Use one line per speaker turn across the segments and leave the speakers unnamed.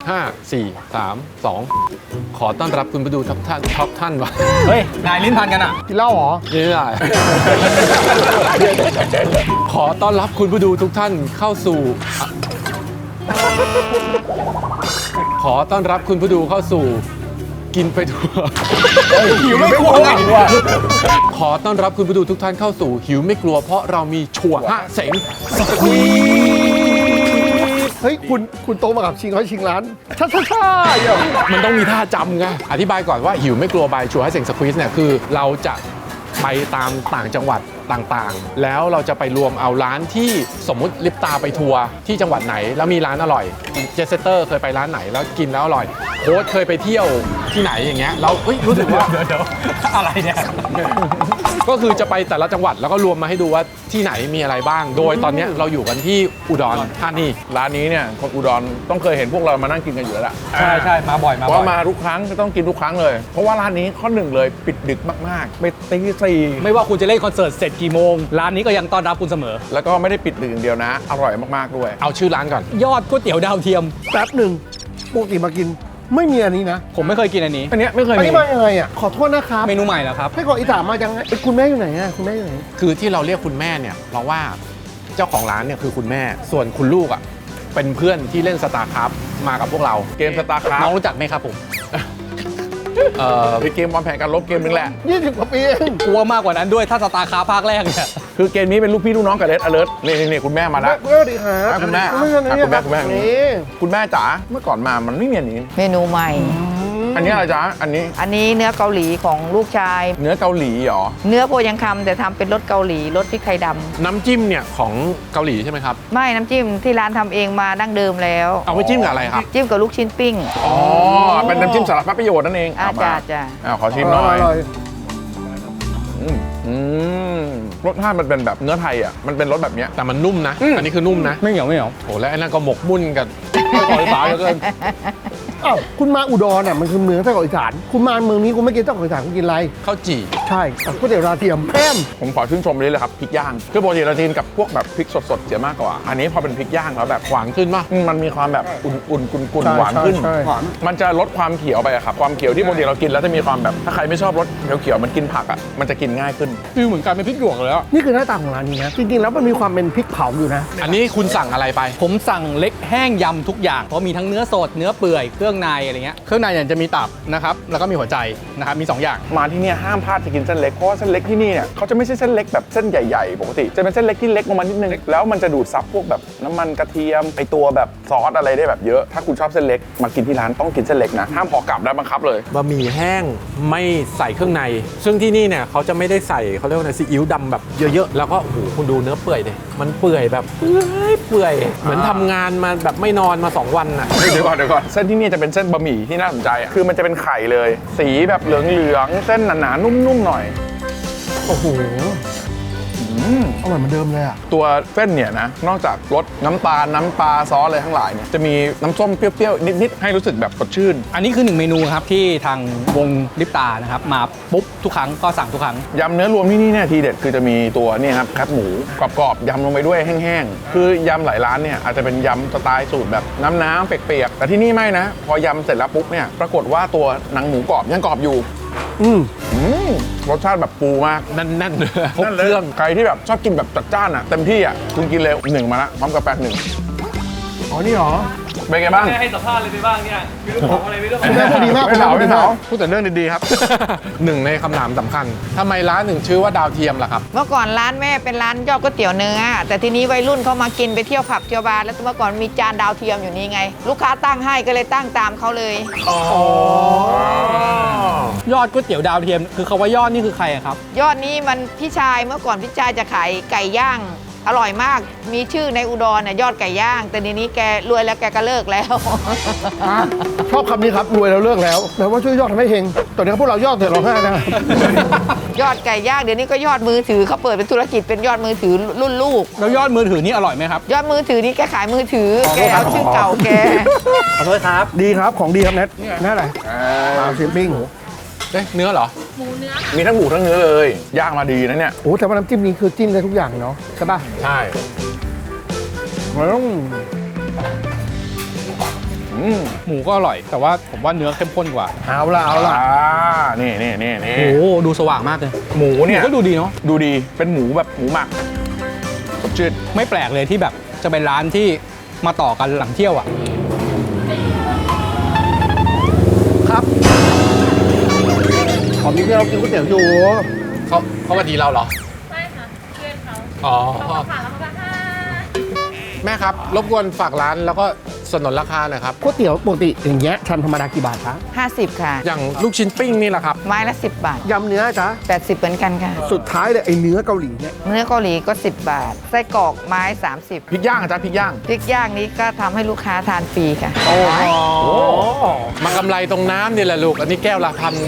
5 4 3 2 ขอต้อนรับคุณผู้ดูท็อปท่านวะ
เฮ้ยนายลิ้นพันกันอ่ะ
กินเหล้าเหรอ
นี่ไม่ได้ ขอต้อนรับคุณผู้ดูทุกท่านเข้าสู่ ขอต้อนรับคุณผู้ดูเข้าสู่ กินไปทั่ว
หิวไม่กลัวไง
ขอต้อนรับคุณผู้ดูทุกท่านเข้าสู่หิวไม่กลัวเพราะเรามีชัวร์ฮะเสงสควี
เฮ้ยคุณโตมากับชิงร้อยชิงล้านช่าอย่าง
มันต้องมีท่าจำไงอธิบายก่อนว่าหิวไม่กลัวบายชัวร์ฮะเสงสควีเนี่ยคือเราจะไปตามต่างจังหวัดต่างๆแล้วเราจะไปรวมเอาร้านที่สมมุติลิปตาไปทัวร์ที่จังหวัดไหนแล้วมีร้านอร่อยเจสเตอร์เคยไปร้านไหนแล้วกินแล้วอร่อยโค้ชเคยไปเที่ยวที่ไหนอย่างเงี้ยเรารู้สึกว่า
เดี๋ยวอะไรเนี่ย
ก็คือจะไปแต่ละจังหวัดแล้วก็รวมมาให้ดูว่าที่ไหนมีอะไรบ้าง โดยตอนนี้เราอยู่กันที่อุดรธานี
ร้านนี้เนี่ยคนอุดรต้องเคยเห็นพวกเรามานั่งกินกันอยู่แล้วล่ะ
ใช่มาบ่อย
เพราะว่ามาทุกครั้งก็ต้องกินทุกครั้งเลย เพราะว่าร้านนี้ข้อหนึ่งเลยปิดดึกมากๆไปตีสี่
ไม่ว่าคุณจะเล่นคอนเสิร์ตเสร็จกี่โมง ร้านนี้ก็ยังต้อนรับคุณเสมอ
แล้วก็ไม่ได้ปิดดึกอย่างเดียวนะ อร่อยมากๆด้วย
เอาชื่อร้านก่อน
ยอดก๋วยเตี๋ยวดาวเทียม
แป๊บหนึ่งปกติมากินไม่มีอันนี้นะ
ผมไม่เคยกินอันนี้
อันเนี้ยไม่เคย
อัน
มี
นี้มายังไงอ่ะขอโทษนะครับ
เมนูใหม่แล้วครับ
ให้ขออีสานมายังไงเอ้ยคุณแม่อยู่ไหนอ่ะคุณแม่อยู่ไหน
คือที่เราเรียกคุณแม่เนี่ยเพราะว่าเจ้าของร้านเนี่ยคือคุณแม่ส่วนคุณลูกอ่ะเป็นเพื่อนที่เล่นสตาร์คราฟมากับพวกเรา
เกมสตาร์ครา
น้อง
ฟ
รู้จักไหมครับผม
เป็นเกมวางแผนการลบเกมนึงแหละ
20 กว่าปีเอง
กลัวมากกว่านั้นด้วยถ้าสตาร์คราฟภาคแรกเนี่ย
คือเกมนี้เป็นลูกพี่ลูกน้องกับเรดอเลิร์นี่คุณแม่มาแล้ว
แม่สวัสดีครับ
คุณแม่
ไม่ใช่อันนี้
คุณแม่คุณแม่
นี่
คุณแม่จ๋าเมื่อก่อนมามันไม่มีอันนี้
เมนูใหม่
อันนี้อะไรจ๊ะอันนี้
อันนี้เนื้อเกาหลีของลูกชาย
เนื้อเกาหลีเหรอ
เนื้อโพยังคำแต่ทำเป็นรสเกาหลีรสพริกไทยดำ
น้ำจิ้มเนี่ยของเกาหลีใช่ไหมครับ
ไม่น้ำจิ้มที่ร้านทำเองมาดั้งเดิมแล้ว
เอาไว้จิ้มกับอะไรครับ
จิ้มกับลูกชิ้นปิ้ง
อ๋อเป็นน้ำจิ้มสารพัดประโยชน์นั่นเอง
อา
เมา
จารย์จ้ะ
ขอชิมหน่อย
ร่อย
อืมรสชาติมันเป็นแบบเนื้อไทยอ่ะมันเป็นรสแบบเนี้ย
แต่มันนุ่มนะ อันนี้คือนุ่มนะ
ไม่เหนียวไม่เหนียว
โอ้และไอ้นั่นก็หมกมุ่นกับไส้กรอกอีสานเหลือเกิน
อ้าวคุณมาอุดรอ่ะมันคือเมืองไส้กรอกอีสานคุณมาเมืองนี้คุณไม่กินไส้กรอกอีสานคุณกินอะไร
ข้าวจี่
ใช่กับก๋วยเตี๋ยวราเทียมแพม
ผมขอชื่นชมเลยครับพริกย่างคือปกติเราจะกินกับพวกแบบพริกสดๆเสียมากกว่า อันนี้พอเป็นพริกย่างแล้วแบบ
หวานขึ้นป่ะ
มันมีความแบบอุ่นๆกุน
ใช่
ๆหวานขึ้น
ใช่หวาน
มันจะลดความเขียวไปอะครับความเขียวที่ปกติเรากินแล้วจะมีความแบบถ้าใครไม่ชอบรสเขียวๆมันกินผักอ่ะมันจะกินง่ายขึ้น
คือเหมือนกันเป็นพริกหยวกเลยอ่ะ
นี่คือหน้าตาของร้านนี้นะจริงๆแล้วมันมีความเป็นพริกเผาอยู่นะ
อันนี้คุณสั่งอะไรไป
ผมสั่งเล็กแห้งยำทุกอย่างเพราะมีทั้งเนื้อสดเนื้อเปื่อยเครื่องในอะไรเงี้ยเครื่องในเนี่ยจะมีตับนะครับแล้วก็มีหัวใจนะครับมี 2 อย่าง
มาที่เนี่ยห้ามพลาดจะกินเส้นเล็กเพราะว่าเส้นเล็กที่นี่เนี่ยเขาจะไม่ใช่เส้นเล็กแบบเส้นใหญ่ๆปกติจะเป็นเส้นเล็กที่เล็กลงมานิดนึงแล้วมันจะดูดซับพวกแบบน้ำมันกระเทียมไอตัวแบบซอสอะไรได้แบบเยอะถ้าคุณชอบเส้นเล็กมากินที่ร้านต้องกินเส้นเล็กนะห้ามห่อกลับได้บังคับเลย
บะหมี่แห้งไม่ใส่เครื่องใน ซึ่งที่นี่เนี่ยเขาจะไม่ได้ใส่เขาเรียกว่าซีอิ๊วดำแบบเยอะๆ แล้วก็โอ้โหคุณดูเนื้อเปื่อยดิมันเปื่อยแบบเปื่อยเหมือนทำงานมาแบบไม่นอนมา 2 วันน่ะ
เดี๋ยวก่อนเส้นที่นี่จะเป็นเส้นบะหมี่ที่น่าสนใจอะคือมันจะเป็นไข่เลย สีแบบเหลืองๆเส้นหนาๆนุ่มๆหน่อย
โอ้โหอร่อยเหมือนเดิมเลยอ่ะ
ตัวเส้นเนี่ยนะนอกจากรสน้ำตาลน้ำปลาซอสอะไรทั้งหลายเนี่ยจะมีน้ำส้มเปรี้ยวๆนิดๆให้รู้สึกแบบสดชื่น
อันนี้คือ1เมนูครับที่ทางวงลิปตานะครับมาปุ๊บทุกครั้งก็สั่งทุกครั้ง
ยำเนื้อรวมที่นี่เนี่ยทีเด็ดคือจะมีตัวนี่ครับแคบหมูกรอบๆยำลงไปด้วยแห้งๆคือยำหลายร้านเนี่ยอาจจะเป็นยำสไตล์สูตรแบบน้ำๆเปียกๆแต่ที่นี่ไม่นะพอยำเสร็จแล้วปุ๊บเนี่ยปรากฏว่าตัวหนังหมูกรอบยังกรอบอยู่
อืม
รสชาติแบบปูมาก
แน่นๆเลยครบ
นั่น
เค
เลย
รื่อง
ใครที่แบบชอบกินแบบจัดจ้านอ่ะเต็มที่อ่ะคุณกินเลย1มาละพร้อมกับแปด1
อ๋อนี่เหรอ
เป็นไงบ้าง
ให้สัมภาษณ์อะไรไปบ้างเนี่ยมีเรื่องของอะไรไม่เรื่อง
คุณแม่พูดดีมาก
ไม่เหลาไม่เหลา
พูดแต่เรื่องดีๆครับ หนึ่งในคำถามสำคัญทำไมร้านหนึ่งชื่อว่าดาวเทียมล่ะครับ
เมื่อก่อนร้านแม่เป็นร้านยอดก๋วยเตี๋ยวเนื้อแต่ทีนี้วัยรุ่นเขามากินไปเที่ยวผับเที่ยวบาร์แล้วเมื่อก่อนมีจานดาวเทียมอยู่นี่ไง ลูกค้าตั้งให้ก็เลยตั้งตามเขาเลย
ยอดก๋วยเตี๋ยวดาวเทียมคือคำว่ายอดนี่คือใครอะครับ
ยอดนี้มันพี่ชายเมื่อก่อนพี่ชายจะขายไก่ย่างอร่อยมาก มีชื่อในอุดรน่ะยอดไก่ย่าง แต่ทีนี้แกรวยแล้วแกก็เลิกแล้ว
ชอบคำนี้ครับรวยแล้วเลิกแล้วแปลว่าช่วยยอดทำให้เฮงตอนนี้พวกเรายอดเดือดร้อนห้านะ
ยอดไก่ย่างเดี๋ยวนี้ก็ยอดมือถือเขาเปิดเป็นธุรกิจเป็นยอดมือถือรุ่นลูก
แล้วยอดมือถือนี่อร่อยไหมครับ
ยอดมือถือนี่แกขายมือถือแกเอาชื่อเก่าแก
ขอโทษครับ
ดีครับของดีครับแนทนั่นอะไรปลาเสียปิ้ง
เอ๊ะเนื้อเหรอ
มีทั้งหมูทั้งเนื้อเลยย่างมาดีนะเนี่ย
โอ้แต่ว่าน้ำจิ้มนี้คือจิ้มได้ทุกอย่างเนาะใช่ป่ะ
ใช่
อืม
หมูก็อร่อย แต่ว่าผมว่าเนื้อเข้มข้นกว่า
เอาละเอาละ
นี่
โอ้โหดูสว่างมากเลย
หมูเนี่ย
ก็ดูดีเนาะ
ดูดีเป็นหมูแบบหมูหมักสดชื่น
ไม่แปลกเลยที่แบบจะเป็นร้านที่มาต่อกันหลังเที่ยวอ่ะ
ครับขอมีเพื่อนเรากินก๋วยเตี๋ยวอยู่
เขามาดีเราเหรอ
ไม่ค่ะเพื่อนเขา
อ๋อ
เขาผ่านแล้วเขาก็ห้า
แม่ครับ รบกวนฝากร้านแล้วก็สนนราคาหน่อยครับ
ก๋วยเตี๋ยวปกติอย่างเงี้ยชามธรรมดากี่บาทคะ
50 ค่ะ
อย่างลูกชิ้นปิ้งนี่แหละครับ
ไม้ละ 10 บาท
ยำเนื้อจ๊ะ
80เหมือนกันค่ะ
สุดท้ายเลยไอ้เนื้อเกาหลีเนี่ย
เนื้อเกาหลีก็ 10 บาท ไส้กรอกไม้ 30
พริกย่างอาจารย์พริกย่าง
พริกย่างนี้ก็ทำให้ลูกค้าทานฟรีค่ะ
โอ้โห
มากำไรตรงน้ำนี่แหละลูก อันนี้แก้วละพัน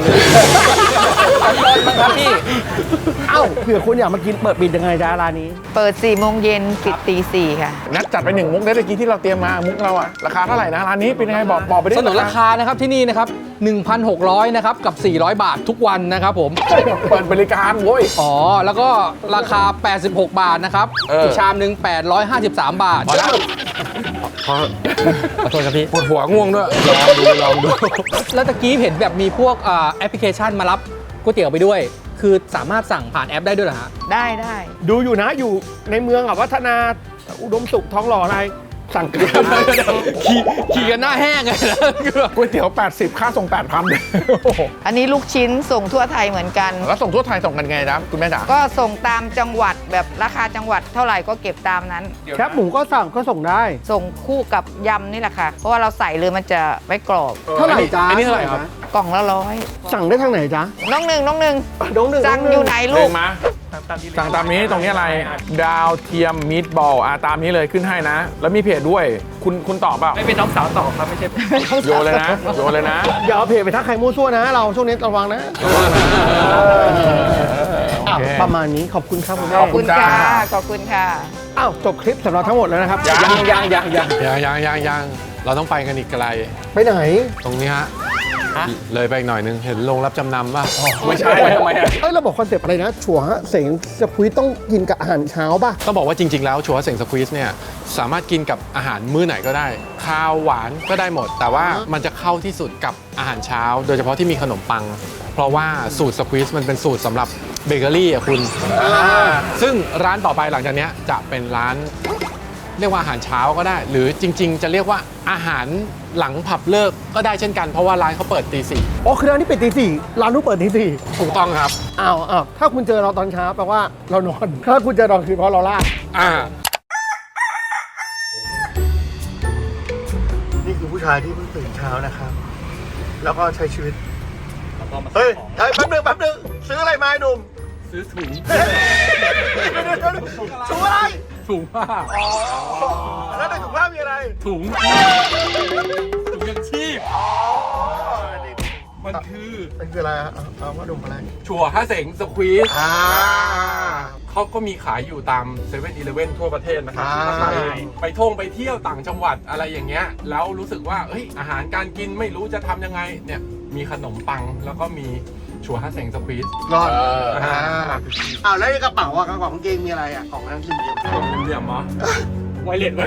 ครับพี่
เอ้าเผื่อคนอยากมากินเปิดปิดยังไงจ๊ะร้านนี้
เปิด 4 โมงเย็นปิดตี 4 ค่ะ
นัดจัดไป1มุกได้เมื่อกี้ที่เราเตรียมมามุกเราอะราคาเท่าไหร่นะร้านนี้เป็นยังไงบอกไปดิ
สนุนราคานะครับที่นี่นะครับ 1,600 นะครับ กับ 400 บาททุกวันนะครับผม
เปิดบริการโว้ย
อ๋อ แล้วก็ราคา 86 บาทนะครับ อีกชามหนึ่ง853 บาท
พอแล้ว
ขอโทษครับพี่
ปวดหัวง่วงด้วย ลองดู
แล้วตะกี้เห็นแบบมีพวกแอปพลิเคชันมารับก๋วยเตี๋ยวไปด้วย คือสามารถสั่งผ่านแอปได้ด้วยเหรอฮะ
ได้
ดูอยู่นะอยู่ในเมืองวัฒนาอุดมสุขท้องหล่ออะไร สั่งกัน
ขี่กันหน้าแห้งเลยนะ
ก๋วยเตี๋ยว 80 ค่าส่ง 8,000
อันนี้ลูกชิ้นส่งทั่วไทยเหมือนกัน
แล้วส่งทั่วไทยส่งกันไงนะคุณแม่จ๋า
ก็ส่งตามจังหวัดแบบราคาจังหวัดเท่าไหร่ก็เก็บตามนั้น
แคบหมูก็สั่งก็ส่งได้
ส่งคู่กับยำนี่แหละค่ะ เพราะว่าเราใส่เลยมันจะไม่กรอบ
เท่าไหร่จ๊ะ
อันนี้เท่าไหร่ครับ
กล่องละร้อย
สั่งได้ทางไหนจ๊ะ
น้องหนึ่ง
น้องหนึ่ง
สั่ง
น้
อยู่ไหน
ห
ลู
นึ่
ก
งมาสั่งตามนี้ตรงนี้อะไร ดาวเทียมมีดบอลตามนี้เลยขึ้นให้นะ แล้วมีเพจด้วยคุณตอบเปล่า
ไม่เป็นน้องสาวต่อครับ ไม่ใช่
โยนเลยนะโยนเลยนะ
อย่าเอาเพจไปทักใครมั่วซั่วนะ เราช่วงนี้ระวังนะอ่ะประมาณนี้ขอบคุณครับคุณแม่
ขอบคุณ
จ้า
ค่ะ ขอบคุณค่ะ
อ้าวจบคลิปสำหรับทั้งหมดแล้วนะครับ
ยัง
ยังเราต้องไปกันอีกไกล
ไปไหน
ตรงนี้ฮะ เลยไปอีกหน่อยนึง เห็นโรงรับจำนำป่ะ
ไม่ใช่ทำไมอะ
เอ้ยเราบอกคอนเซปต์อะไรนะชัวฮะเสงสควิตต้องกินกับอาหารเช้าป่ะ
ต้องบอกว่าจริง ๆ แล้วชัวร์เสงสควีสเนี่ยสามารถกินกับอาหารมื้อไหนก็ได้ข้าวหวานก็ได้หมด แต่ว่ามันจะเข้าที่สุดกับอาหารเช้า โดยเฉพาะที่มีขนมปัง เพราะว่าสูตรสควีสมันเป็นสูตรสำหรับเบเกอรี่อะคุณซึ่งร้านต่อไปหลังจากเนี้ยจะเป็นร้านเรียกว่าอาหารเช้าก็ได้ หรือจริง ๆ จะเรียกว่าอาหารหลังผับเลิกก็ได้เช่นกันเพราะว่าร้านเขาเปิดตี
อ๋อคือร้านนี้ปิดตีสี่ร้านนู้นเปิดตีสี่
4ถูกต้องครับ
อ้าวถ้าคุณเจอเราตอนเช้าแปลว่าเรานอน ถ้าคุณเจอเราคือเพราะเราลาก นี่คือผู้ชายที่เพิ่งตื่นเช้านะครับ แล้วก็ใช้ชีวิต เฮ้ยแป๊บนึงซื้ออะไรมาไอ้หนุ่ม
ซื้อถุง
ถุงอะไร
ถุงผ้า
แล้วในถุงผ้ามีอะไร
ถุงยังชีพมันคือ
มันคืออะไรฮะเอาว่าดมอะไร
ชัวร์ฮะเสงสควีส
อ่า
เขาก็มีขายอยู่ตาม7 e เ e ่ e อทั่วประเทศนะครับ
อ่า
ถ้าใครไปเที่ยวต่างจังหวัดอะไรอย่างเงี้ยแล้วรู้สึกว่าเฮ้ยอาหารการกินไม่รู้จะทำยังไงเนี่ยมีขนมปังแล้วก็มีชัวร์ฮะเสงสควีส
รอด
อ่า
อ้าวแล้วในกระเป๋าอะกระเป๋ากางเกงมีอะไรอะของนั่นคือเดียว
เหลี่ยมเหรอ
ไวเลส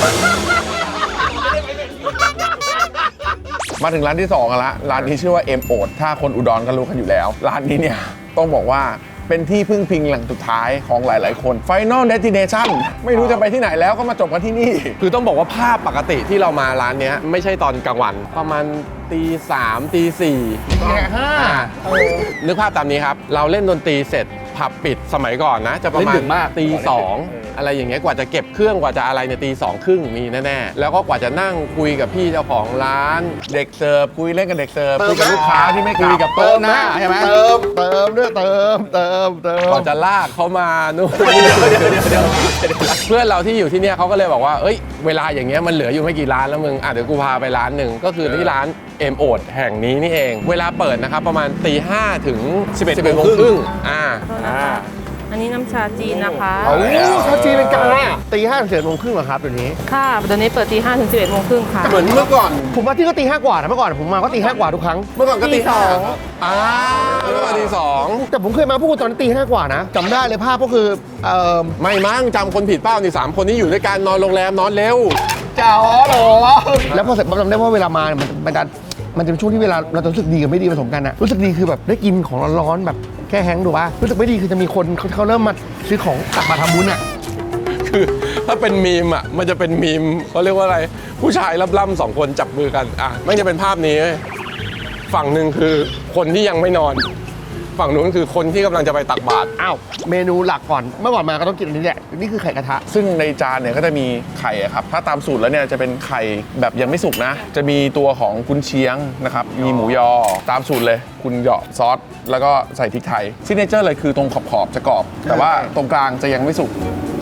มาถึงร้านที่2กันละร้านนี้ชื่อว่าเอ็มโอดถ้าคนอุดรก็รู้กันอยู่แล้ว ร้านนี้เนี่ยต้องบอกว่าเป็นที่พึ่งพิงแหล่งสุดท้ายของหลาย ๆ คน Final Destination ไม่รู้จะไปที่ไหนแล้วก็มาจบกันที่นี่
คือต้องบอกว่าภาพปกติที่เรามาร้านเนี้ยไม่ใช่ตอนกลางวัน ประมาณตีสามตีสี่ นึกภาพตามนี้ครับ เราเล่นดนตรีเสร็จผับปิดสมัยก่อนนะ จะประมา
เล่นดึ
ณ
กมาก
ตีสองอะไรอย่างเงี้ยกว่าจะเก็บเครื่องกว่าจะอะไรเนี่ยตีสองครึ่งมีแน่ๆแล้วก็กว่าจะนั่งคุยกับพี่เจ้าของร้านเด็กเสิร์ฟคุยเล่นกับเด็กเสิร์ฟคุยกับลูกค้าที่ไม่กลับ
คุยกับโต๊ะหน้าใช่ไหม
เติมด้วยเติม
ก่อนจะลากเขามานู่นเพื่อนเราที่อยู่ที่เนี่ยเขาก็เลยบอกว่าเอ้ยเวลาอย่างเงี้ยมันเหลืออยู่ไม่กี่ร้านแล้วมึงเดี๋ยวกูพาไปร้านหนึ่งก็คือที่ร้านเอ็มโอดแห่งนี้นี่เองเวลาเปิดนะครับประมาณตีห้าถึง11 โมงครึ่ง
อันนี้น้ำชาจีนนะคะ
โอ้ชาจีนเป็นกาตีห้าถึง11 โมงครึ่งเหรอครับเดี๋ยวนี้
ค่ะตอนนี้เปิดตี5ถึง11 โมงครึ่งค่ะ
เหมือนเมื่อก่อน
ผมมาที่ก็ตีห้ากว่านะเมื่อก่อนผมมาก็ตีห้ากว่าทุกครั้ง
เมื่อก่อนก็ตี
ตีสอง
เมื่อก่อนตีสอง
แต่ผมเคยมาพวกคุณตอนตีห้ากว่านะจำได้เลยภาพก็คือ
ไม่มั้งจำคนผิดเป้านี่3 คนที่อยู่ด้วยกันนอนโรงแรมนอนเร็ว
จ๋าเหรอแล้วพอเสร็จปั๊บจำได้ว่าเวลามาเนี่ยมันจะเป็นช่วงที่เวลาเราจะรู้สึกดีกับไม่ดีผสมกันอะรู้สึกดีคือแบบได้กินของร้อนๆแบบแค่แห้งก์ถูกป่ะรู้สึกไม่ดีคือจะมีคนเขาเริ่มมาซื้อของตักมาทำบุญอะ
คือถ้าเป็นมีมอ่ะมันจะเป็นมีมเขาเรียกว่าอะไร ผู้ชายล่ำๆสองคนจับมือกันอ่ะไม่จะเป็นภาพนี้เว้ยฝั่งหนึ่งคือคนที่ยังไม่นอน ฝั่งนู้นคือคนที่กำลังจะไปตักบาตร
อ้าวเมนูหลักก่อนเมื่อก่อนมาก็ต้องกินอันนี้แหละนี่คือไข่กระทะ
ซึ่งในจานเนี่ยก็จะมีไข่อะครับ ถ้าตามสูตรแล้วเนี่ยจะเป็นไข่แบบยังไม่สุกนะ จะมีตัวของกุนเชียงนะครับ มีหมูยอตามสูตรเลย คุณเหยาะซอส แล้วก็ใส่พริกไทยซิกเนเจอร์เลยคือตรงขอบๆจะกรอบ แต่ว่าตรงกลางจะยังไม่สุก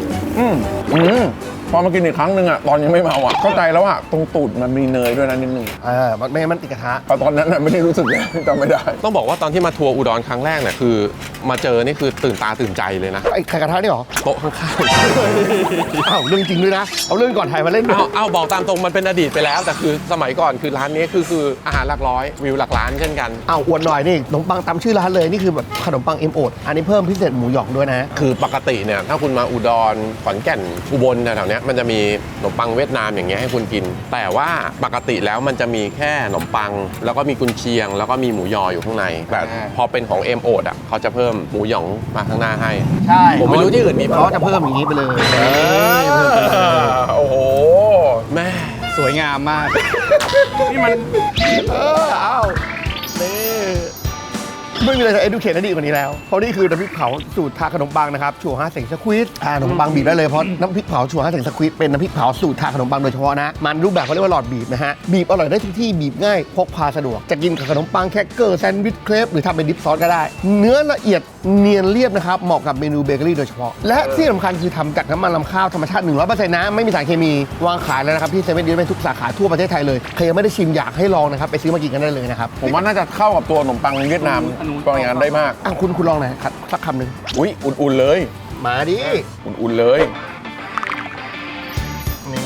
พอมากินอีกครั้งหนึ่งอะตอนยังไม่เมาอะเข้าใจแล้วอะตรงตูดมันมีเนยด้วยนะนิดนึง
ไม่งั้นมันติดกระทะ
แต่ตอนนั้นน่ะไม่ได้รู้สึกเลยจำไม่ได้
ต้องบอกว่าตอนที่มาทัวร์อุดรครั้งแรกเนี่ยคือมาเจอนี่คือตื่นตาตื่นใจเลยนะ
ไอ้ไข่กระทะนี่หรอ
โต๊ะข้าง
อ้าวเรื่องจริงด้วยนะเอาเรื่องก่อนถ่ายมาเล่น
ๆเอาบอกตามตรงมันเป็นอดีตไปแล้ว แต่คือสมัยก่อนคือร้านนี้คืออาหารหลักร้อยวิวหลักล้านเช่นกัน
อ้าวอวดหน่อยนี่ขนมปังตามชื่อร้านเลยนี่คือแบบขนมปังเอ็มโอดอันนี้เพิ่มพิเศษหมูหยองด้วยนะ
คือปกติเนี่ยถ้าคุณมาอุดรขอนแก่นอุบลแถวๆเนี้ยมันจะมีขนมปังเวียดนามอย่างเงี้ยให้คุณกิน แต่ว่าปกติแล้วมันจะมีแค่ขนมปัง แล้วก็มีกุนเชียง แล้วก็มีหมูยออยู่ข้างในแต่พอเป็นของเอ็มโอดอ่ะเขาจะเพิ่มหมูหยองมาข้างหน้าให้
ใช่
ผมไม่รู้ที่อื่นมีเปล่า
เขาจะเพิ่มอย่างนี้ไปเลย
โอ้โห
แม่
สวยงามมาก
นี่มัน
อ้าวนี่ไม่มีอะไรจะ educate ได้ดีกว่านี้แล้ว เพราะนี่คือน้ำพริกเผาสูตรทาขนมปังนะครับชัว5เสงสควีซขนมปังบีบได้เลยเพราะน้ำพริกเผาชัว5เสงสควีซเป็นน้ำพริกเผาสูตรทาขนมปังโดยเฉพาะนะมันรูปแบบเขาเรียกว่าหลอดบีบนะฮะบีบอร่อยได้ทุกที่บีบง่ายพกพาสะดวกจะกินกับขนมปังแครกเกอร์แซนด์วิชเครปหรือทำเป็นดิปซอสก็ได้เนื้อละเอียดเนียนเรียบนะครับเหมาะกับเมนูเบเกอรี่โดยเฉพาะและที่สำคัญคือทำจากน้ำมันลำข้าวธรรมชาติ 100% นะไม่มีสารเคมีวางขายแล้วนะครับที่เซเว่นดีเป็นทุกสาขาทั่วประเทศไทยเลยใครยังไม่ได้ชิมอยากให้ลองนะครับไปซื้อมากินกันได้เลยนะครับ
ผมว่าน่าจะเข้ากับตัวขนมปังเวียดนามบางอย่างได้มาก
อ่ะคุณลองหน่อยครับสักคำหนึ่ง
อุ๊ย อุ่นๆเลย
มาดิ
อุ่นๆเลย
นี่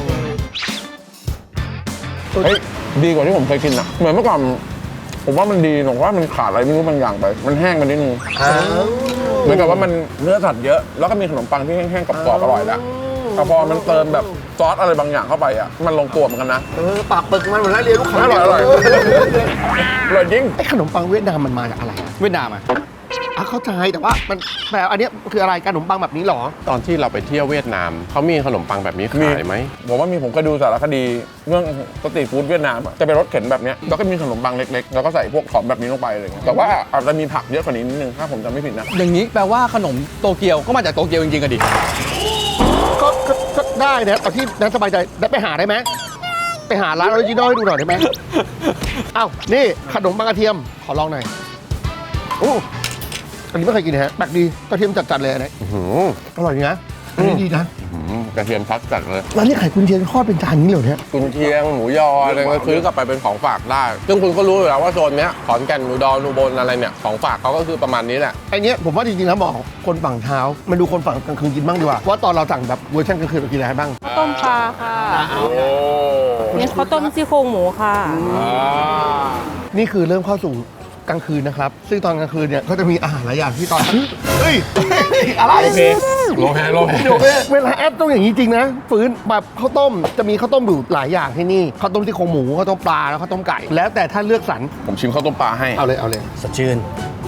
เฮ้ย ดีกว่าที่ผมเคยกินอะเหมือนเมื่อก่อน ผมว่ามันดีผมว่ามันขาดอะไรไม่รู้บางอย่างไป มันแห้งไปนิดนึง เหมือนกับว่ามันเนื้อสัตว์เยอะ แล้วก็มีขนมปังที่แห้งๆกรอบๆอร่อยแล้วแต่พอมันเติมแบบซอสอะไรบางอย่างเข้าไปอะมันลงตัวเหมือนกันนะ
ปากเปิกมันเหมือนไล่เรียนลูกค้า
อร่อยอร่อยอร่อยจริง
ไอ้ขนมปังเวียดนามมันมาจากอะไรอะ
เวียดนามอ่ะ
เข้าใจแต่ว่ามันแปลอันเนี้ยคืออะไรขนมปังแบบนี้เหรอ
ตอนที่เราไปเที่ยวเวียดนามเขามีขนมปังแบบนี้ขายไหม
ผมว่ามีผมเคยดูสารคดีเรื่องสตรีทฟู้ดเวียดนามอะจะเป็นรถเข็นแบบเนี้ยแล้วก็มีขนมปังเล็กๆ แล้วก็ใส่พวกของแบบนี้ลงไปอะไรอย่างเงี้ยแต่ว่าอาจจะมีผักเยอะกว่านี้นิดนึงถ้าผมจำไม่ผิดนะ
อย่างนี้แปลว่าขนมโตเกียวก็มาจากโตเกียวจริงๆกันดิ
ก็ได้นะแต่ที่นั้นสบายใจได้ไปหาได้ไหมไปหาร้านออริจินอลให้ดูหน่อยได้ไหมอ้าวนี่ขนมปังกระเทียมขอลองหน่อยโอ้อันนี้ไม่เคยกินนะฮะแปลกดีกระเทียมจัดๆเลยนะ
อื้อหือ
อร่อยดีนะอันนี้ดีนะ
กระเทียมพัดจัดเลย
ร้านนี้ขายกุนเชียงทอดเป็นจานนี้เลยเนี่ย
กุนเชียงหมูยออะไรก็ซื้อกลับไปเป็นของฝากได้ ซึ่งคุณก็รู้อยู่แล้วว่าโซนเนี้ยขอนแก่นอุดรอุบลอะไรเนี่ยของฝากเขาก็คือประมาณนี้แหละ
ไอเนี้ยผมว่าจริงๆแล้วเหมาะกับคนฝั่งเช้ามาดูคนฝั่งกลางคืนกินบ้างดีกว่าว่าตอนเราสั่งแบบเวอร์ชันกลางคืนเรากินอะไรบ้าง
ข้าวต้มปลาค่ะ
โอ้
นี่ข้าวต้มซี่โครงหมูค่ะ
นี่คือเริ่มเข้าสู่กลางคืนนะครับ ซึ่งตอนกลางคืนเนี่ยก็จะมีอาหารหลายอย่างที่ตอนเฮ้ย อะไร
โลแพโลแพ
เดี๋ยวเวลาแอดต้องอย่างนี้จริงนะฝืนแบบข้าวต้มจะมีข้าวต้มอยู่หลายอย่างที่นี่ข้าวต้มที่โครงหมูข้าวต้มปลาแล้วข้าวต้มไก่ แล้วแต่ท่านเลือกสรร
ผมชิมข้าวต้มปลาให้
เอาเลย
สดชื่น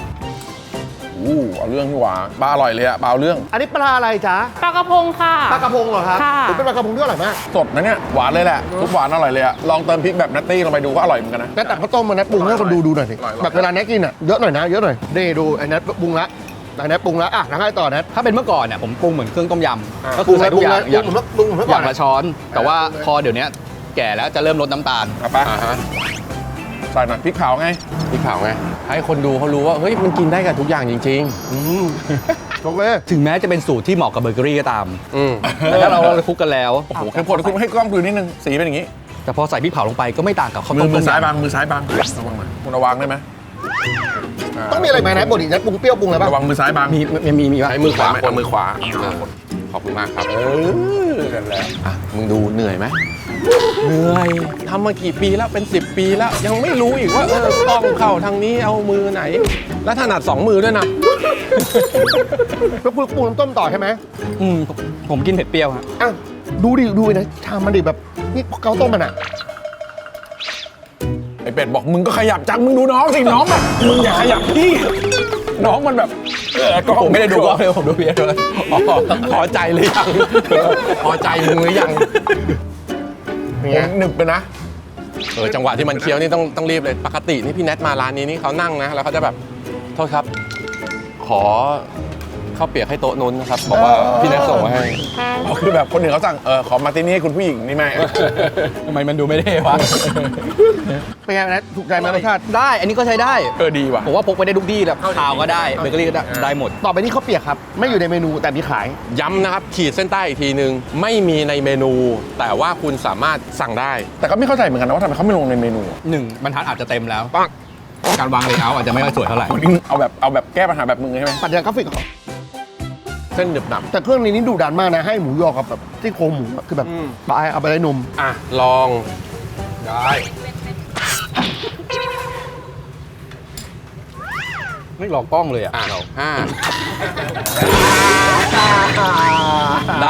เอาเรื่องที่หว่าปลาอร่อยเลยอะปลาเอาเรื่อง
อันนี้ปลาอะไรจ๊ะ
ปลากระพงค่ะ
ปลากระพงเหรอครับ
ค่ะ
ผมเป็นปลากระพงที่อร่อยมาก
สดนะเนี่ยหวานเลยแหละทุกหวานอร่อยเลยอะลองเติมพริกแบบนัตตี้ลงไปดูก็อร่อยเหมือนกันนะ
แนทตักข้าวต้มมาแนทปรุงให้คนดูหน่อยสิ
อร่อย
แบบเวลาแนทกินอ่ะเยอะหน่อยนะเยอะหน่อยนี่ดูไอ้แนทปรุงละไอ้แนทปรุงละอ่ะแล้วให้ต่อแนท
ถ้าเป็นเมื่อก่อนเนี่ยผมปรุงเหมือนเครื่องต้มยำก็คือใส่ทุกอย่าง
ปรุงปรุง
อ
ก่
ย่างละช้อน แต่ว่า
เออ
พอเดี๋ยวนี้แก่แล้วจะเริ่มลดน้ำตาล
เอาไป
อ่าฮะ
ใส่หน่อยพริกขาวไง
พี่ข่าวไงให้คนดูเขารู้ว่าเฮ้ยมันกินได้กับทุกอย่างจริง
จบเลย
ถึงแม้จะเป็นสูตรที่เหมาะกับเบเกอรี่ก็ตาม
ๆ อืม
แต่ถ้าเราคลุกกันแล้ว
โอ้โหเข้มข้นคุณให้กล้องดูนิดนึงสีเป็นอย่างนี้
แต่พอใส่พริกเผาลงไปก็ไม่ต่างกับข้าว
มื
ต้
อ
ม
มื
ต้
อ
ม
ซ้าย
ยำ
บางมือซ้ายบางระวังหน่อยคุณระวังได้ไหม
ต้องมีอะไรไหมแนทปกติแนทปรุงเปรี้ยวปรุงอะไรบ้าง
ระวังมือซ้ายบาง
มีว่า
ใช้มือขวา
เอามือขวา
ขอบคุณมากครับ
นั่นแหละ
อ่ะมึงดูเหนื่อยไหมเหนื่อยทำมากี่ปีแล้วเป็น 10 ปีแล้ว ยังไม่รู้อีกว่าต้องเข้าทางนี้เอามือไหน แล้วถนัด2 มือด้วยนะ
แล้วปรุงน้ำต้มต่อใช่ไหม
ผมกินเผ็ดเปรี้ยวฮะ
อ่ะดูดิดูนะชามมันดิแบบนี่เกาต้มมันอ่ะ
ไอเป็ดบอกมึงก็ขยับจังมึงดูน้องสิน้องแบบมึงอย่าขยับพี่น้องมันแบบก็
ผมไม่ได้ดูกล้องเลยผมดูเพียร์เลย
อ๋อพอใจหรือยังพอใจมึงหรือยัง
หนึบไปนะ
จังหวะที่มันเคี้ยวนี่ต้องรีบเลยปกตินี่พี่แนทมาร้านนี้นี่เขานั่งนะแล้วเขาจะแบบโทษครับ ขอข้าวเปียกให้โต๊ะนู้นนะครับบอกว่าพี่แนทส่งมาให้
อ๋อคือแบบคนอื่นเขาสั่งขอมาร์ตินี่ให้คุณผู้หญิงนี่ไหม
ทำไมมันดูไม่ได้วะ
เป็นไงนะถูกใจไหมรสชาติ
ได้ อันนี้ก็ใช้ได้
ดีว่ะ
ผมว่าพกไปได้ทุกที่แบบข้าวก็ได้เบเกอรี่ก็ได้หมด
ต่อไปนี่ข้าวเปียกครับ ไม่อยู่ในเมนูแต่มีขาย
ย้ำนะครับขีดเส้นใต้อีกทีนึงไม่มีในเมนู แต่ว่าคุณสามารถสั่งได้
แต่ก็ไม่เข้าใจเหมือนกันนะว่าทำไมเขาไม่ลงในเมนู
1 บรรทัดอาจจะเต็มแล้ว การวางเลเยอร์อาจจะไม่ค่อยสวยเท่าไหร่
เอาแบบแก้ปัญหาแบบมึงใช่ไหม
ปัจจัยกราฟิก
เส้นหนึบหนับ
แต่เครื่องในนี้ดุดันมากนะ ให้หมูยอกับแบบที่โครงหมูอะคือแบบปลายเอาไปได้นม
อ่ะลอง
ได้
ไม่หลอกกล้องเลยอ่ะ
อ่ะห้าได้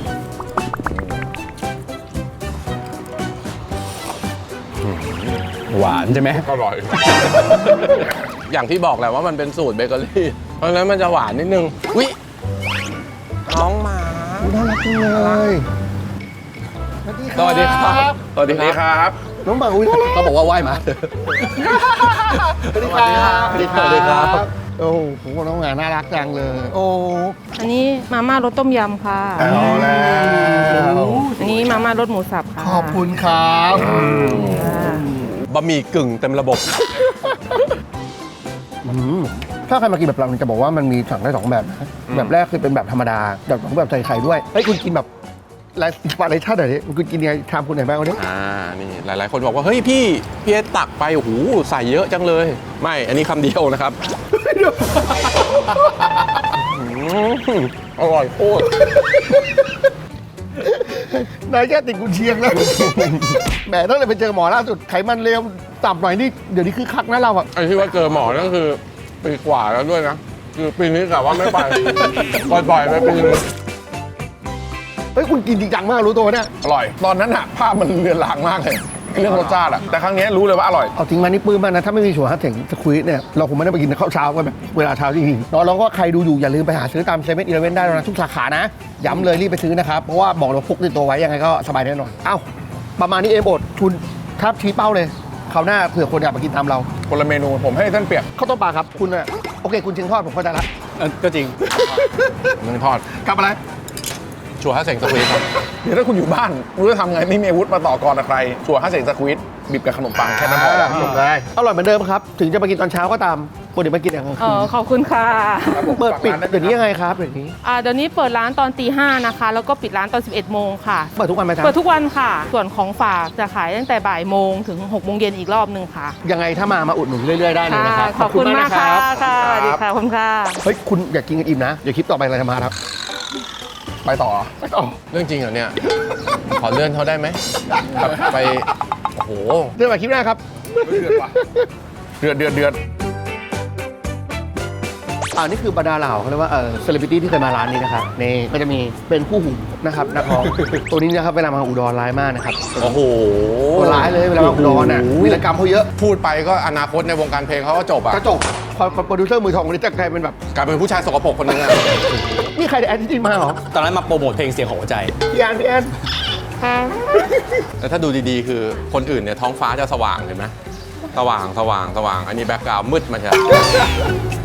หวานใช่ไหม
อร่อย
อย่างที่บอกแหละว่ามันเป็นสูตรเบเกอรี่เพราะฉะนั้นมันจะหวานนิดนึงวิน้องหมา
น่ารักจังเลย
สวัสดีครับ
สวัสดีครับ
น้องหมาอุ้ยน่ารัก
เขาบอกว่าไหว้มา
สวัสดีครับ
สวัสดีครับ
โอ้โหผมว่าน้องหมาน่ารักจังเลย โอ้
อันนี้มาม่ารสต้มยำค่ะ
เอาแล้ว
อันนี้มาม่ารสหมูสับค่ะ
ขอบคุณครับ
ค่ะ
บะหมี่กึ่งเต็มระบบ
ถ้าใครมากินแบบเราจะบอกว่ามันมีสั่งได้2แบบนะแบบแรกคือเป็นแบบธรรมดาแบบ2แบบใส่ไข่ด้วยเฮ้ยคุณกินแบบอะไรชาติไหนเนี่ยคุณกินยังไงชามคุณไหนบ้างวันนี้
นี่หลายๆ คนบอกว่าเฮ้ยพี่เอตักไปโอ้โหใส่เยอะจังเลย ไม่อันนี้คำเดียวนะครับ อร่อยโคตร
นายแค่ติดกุนเชียงแล้ว แหมตั้งแต่ไปเจอหมอล่าสุดไขมันเลวต่ำหน่อยนี่เดี๋ยวนี้คือคักนะเราอะ
ไอ้ที่ว่าเจอหมอนั่นคือปีกว่าแล้วด้วยนะ คือปีนี้กะว่าไม่ไป ปล่อยๆไปปีนึง
เฮ้ยคุณกินจริงจังมากรู้ตัวเนี่ย
อร่อย ตอนนั้นอะภาพมันเลือนลางมากเลยเรื่องรสชาติอะแต่ครั้งนี้รู้เลยว่าอร่อย
เอาจริงมานี่ปลื้มมากนะถ้าไม่มีชัวร์ฮัทเถิงสควีทเนี่ยเราคงไม่ได้ไปกินข้าวเช้ากันแบบเวลาเช้าจริงๆน้องๆก็ใครดูอยู่อย่าลืมไปหาซื้อตามเซเว่นอีเลฟเว่นได้แล้วนะทุกสาขานะย้ำเลยรีบไปซื้อนะครับเพราะว่าบอกเราพกติดตัวไว้ยังไงก็สบายแน่นอนเอ้าประมาณนี้เองบทคุณครับชี้เป้าเลยคราวหน้าเผื่อคนอยากมากินตามเรา
คนละเมนูผมให้เส้นเปียก
ข้าวต้มปลาครับคุณอะโอเคคุณเชียงทอดผมเข้าใจละ
ก็จริง
มึงทอด
กลับอะไร
ชัวร์ฮัสเซ็งสควีทครับ
เดี๋ยวถ้าคุณอยู่บ้านรู้จะทำไงไม่มีอาวุธมาต่อกรกับใครชัวร์5 เสียงสควิตบีบกับขนมปังแค่นั้นพอแล้ว
จบเลยอร่อยเหมือนเดิมครับ ถึงจะมากินตอนเช้าก็ตามคนเดี๋ยวมากินอย่างกลางคืน
ขอบคุณค่ะ
เปิดปิดเดี๋ยวนี้ยังไงครับเดี๋ยวนี้
เดี๋ยวนี้เปิดร้านตอนตี 5นะคะ แล้วก็ปิดร้านตอน 11 โมงค่ะ
เปิดทุกวันไหมครับ
เปิดทุกวันค่ะ ส่วนของฝากจะขายตั้งแต่บ่ายโมงถึง 6 โมงเย็นอีกรอบหนึ่งค่ะ
ยังไงถ้ามาอุดหนุนเรื่อยๆได้เลยนะครับ
ขอบคุณมากค่ะค่ะสวัสดีค่ะขอบคุณค่ะ
เฮ้ยคุณอยากกินกันอิ่มนะเดี๋ยวคลิปต่อไปเราจะมาครับ
ไปต่อ
ไปต่อ
เรื่องจริงเหรอเนี่ย ขอเลื่อนเขาได้ไหมแบบไป โอ้โห
เรื่องใหม่คลิปหน้าครับ
เดือด
นี่คือบรรดาเหล่าเขาเรียกว่าเซเลบริตี้ที่เคยมาร้านนี้นะครับนี่ก็จะมีเป็นผู้หูนะครับนักร้อง ตัวนี้นะครับเวลามาอุดรร้ายมากนะครับ
โอ้โห
ตัวร้ายเลยเวลามาอุดรน่ะวีรกรรมเขาเยอะ
พูดไปก็อนาคตในวงการเพลงเขาก็จบอ่ะ
กระจกพอโปรดิวเซอร์มือทองคนนี้จะกลายเป็นแบบ
กลายเป็นผู้ชายสกปรกคนนึงอะ
นี่ใครแอดที่มาเหรอ
ตอนนั้นมาโปรโมทเพลงเสียงของหัวใจ
พี่แอนพี่แอน
แต่ถ้าดูดีๆ คือคนอื่นเนี่ยท้องฟ้าจะสว่างเห็นไหมสว่าง อันนี้แบ็คกราวด์มืดมาใช่